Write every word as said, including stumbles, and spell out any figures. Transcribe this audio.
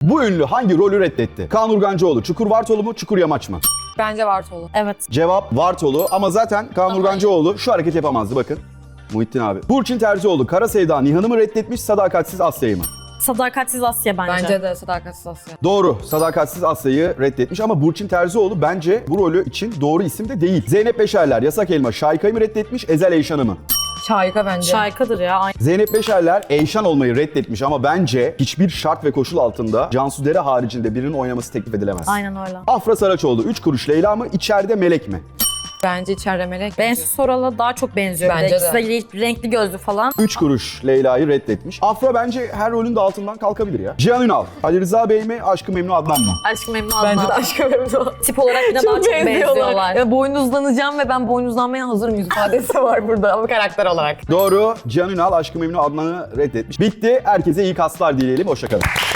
Bu ünlü hangi rolü reddetti? Kaan Urgancıoğlu, Çukur Vartolu mu, Çukur Yamaç mı? Bence Vartolu. Evet. Cevap Vartolu ama zaten Kaan Urgancıoğlu şu hareket yapamazdı bakın. Muhittin abi. Burçin Terzioğlu, Kara Sevda Nihan'ı mı reddetmiş, Sadakatsiz Asya'yı mı? Sadakatsiz Asya bence. Bence de Sadakatsiz Asya. Doğru. Sadakatsiz Asya'yı reddetmiş ama Burçin Terzioğlu bence bu rolü için doğru isim de değil. Zeynep Beşerler, Yasak Elma, Şayka'yı mı reddetmiş, Ezel Eyşan'ı mı? Şahika bence. Şarkıdır ya. Aynı. Zeynep Beşerler Eyşan olmayı reddetmiş ama bence hiçbir şart ve koşul altında Cansu Dere haricinde birinin oynaması teklif edilemez. Aynen öyle. Afra Saraçoğlu, Üç Kuruş Leyla mı, İçeride Melek mi? Bence içeride Melek. Bensu Soral'a daha çok benziyor. Bence İkisi de. de renkli gözlü falan. Üç Kuruş Leyla'yı reddetmiş. Afra bence her rolün de altından kalkabilir ya. Cihan Ünal, Ali Rıza Bey mi, Aşk-ı Memnu Adnan mı? Aşkı Memnu Bence de Adnan. Aşk-ı Memnu. Tip olarak yine daha çok benziyorlar. Ya boynuzlanacağım ve ben boynuzlanmaya hazırım yüz ifadesi var burada ama karakter olarak. Doğru. Cihan Ünal Aşk-ı Memnu Adnan'ı reddetmiş. Bitti. Herkese iyi kaslar dileyelim. Hoşça kalın.